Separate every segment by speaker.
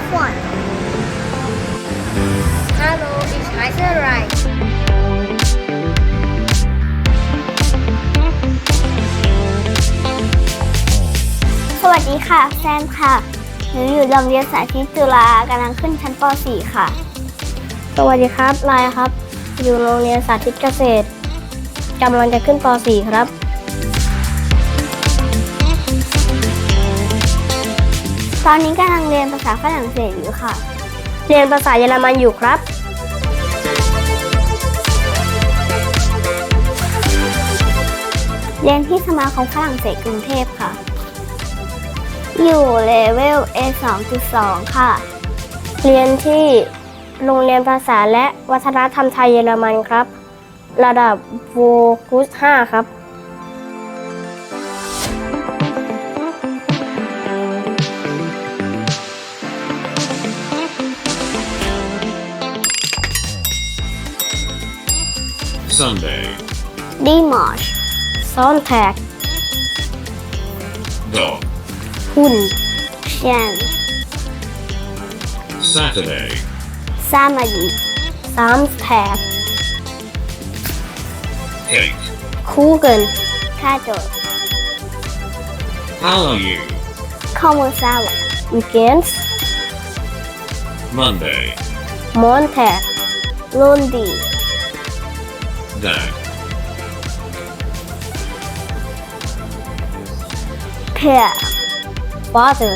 Speaker 1: one. Hallo, ich heiße Rai. สวัสดีค่ะแซมค่ะหนูอยู่โรงเรียนสาธิตจุฬากำลังขึ้นชั้นป .4 ค่ะสวัสดีครับไลครับอยู่โรงเรียนสาธิตเกษตรกำลังจะขึ้นป .4 ครับตอนนี้กำลังเรียนภาษาฝรั่งเศสอยู่ค่ะเรียนภาษาเยอรมันอยู่ครับเรียนที่สมาคมฝรั่งเศสกรุงเทพค่ะอยู่เลเวล A2.2 ค่ะเรียนที่โรงเรียนภาษาและวัฒนธรรมไทยเยอรมันครับระดับโวกุส5ครับ
Speaker 2: Sunday,
Speaker 1: Dimanche Sonntag
Speaker 2: dog.
Speaker 1: Hund Schwein
Speaker 2: Saturday,
Speaker 1: Samedi Samstag
Speaker 2: cake.
Speaker 1: Kuchen Kado
Speaker 2: How are you?
Speaker 1: Como ça va Weekends
Speaker 2: Monday,
Speaker 1: Montag Lundi
Speaker 2: dad.
Speaker 1: Pear Father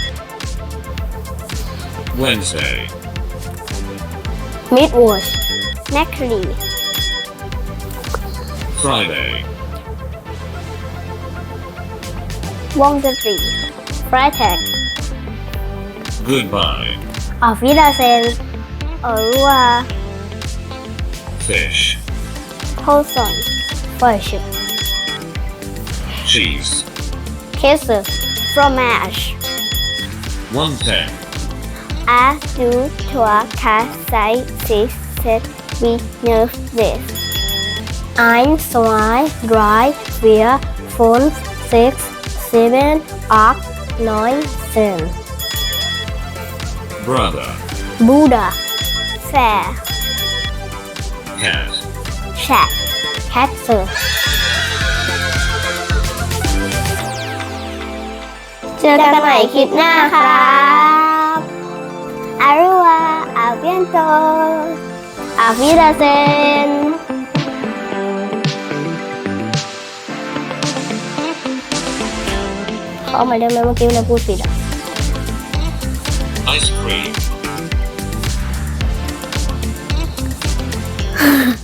Speaker 2: Wednesday,
Speaker 1: Mittwoch Mercury
Speaker 2: Friday,
Speaker 1: Wonderful Freitag
Speaker 2: goodbye.
Speaker 1: Auf Wiedersehen Au revoir
Speaker 2: Fish,
Speaker 1: Poisson Fish
Speaker 2: cheese.
Speaker 1: Käse Fromage
Speaker 2: 110.
Speaker 1: A, du, toi, quatre, cinq, six, sept, huit, neuf, 10. 1, 2, 3, 4, 5, 6, 7, 8, 9, 10.
Speaker 2: Brother,
Speaker 1: Buddha Fair
Speaker 2: cat.
Speaker 1: Chat Katze เจอกันใหม่คลิปหน้าครับอารุวาอาเบียนโตอาฟิดาเซนเขาเอามาได้ไหมเมื่อกี้เราพูดผิดอ่ะ
Speaker 2: Ice cream.